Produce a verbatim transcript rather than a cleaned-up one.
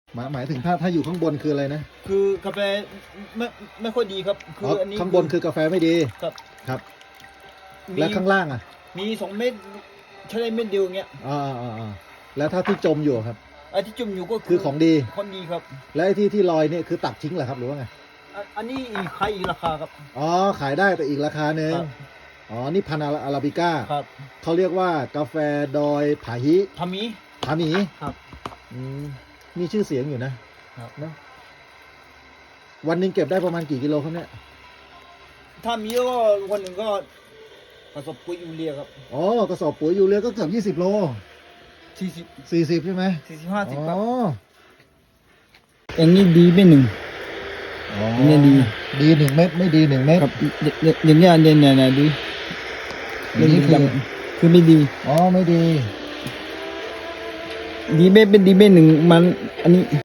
หมายหมายถึงถ้าถ้าอยู่ข้างบนคืออะไรนะคือกาแฟไม่ไม่ค่อยดีครับคืออ๋ออันนี้ข้างบนคือกาแฟไม่ดีครับครับมีและข้างล่างอ่ะมีสองเม็ดใช้ได้เม็ดเดียวอย่างเงี้ยอ่าอ่าอ่าแล้วถ้าที่จมอยู่ครับไอ้ที่จุ่มอยู่ก็คือของดีของดีครับและไอ้ที่ที่ลอยเนี่ยคือตัดทิ้งเหรอครับหรือว่าไงอันอันนี้อีกใครอีกราคาครับอ๋อขายได้แต่อีกราคาหนึ่งครับอ๋อนี่พันธุ์อาราบิก้าครับเขาเรียกว่ากาแฟดอยผาฮิทามีผาหมีครับอืมมีชื่อเสียงอยู่นะครับ เนอะวันหนึ่งเก็บได้ประมาณกี่กิโลครับเนี่ยถ้ามีก็วันหนึ่งก็ผสมปุ๋ยยูเรียครับอ๋อกระสอบปุ๋ยยูเรียก็เกือบยี่สิบโลสี่สิบสี่สิบใช่ไหมสี่สิบห้าสิบอ๋ครับออันนี้ดีเป็นหนึ่งอ๋อเนี่ยดีดีหนึ่งเม็ดไม่ดีหนึ่งเม็ดครับอย่างเงี้ยเนี่ยเนี่ยเนี่ยดีอันนี้คือคือไม่ดีอ๋อไม่ดีดีไม่เป็นดีไม่หนึ่งมันอันนี้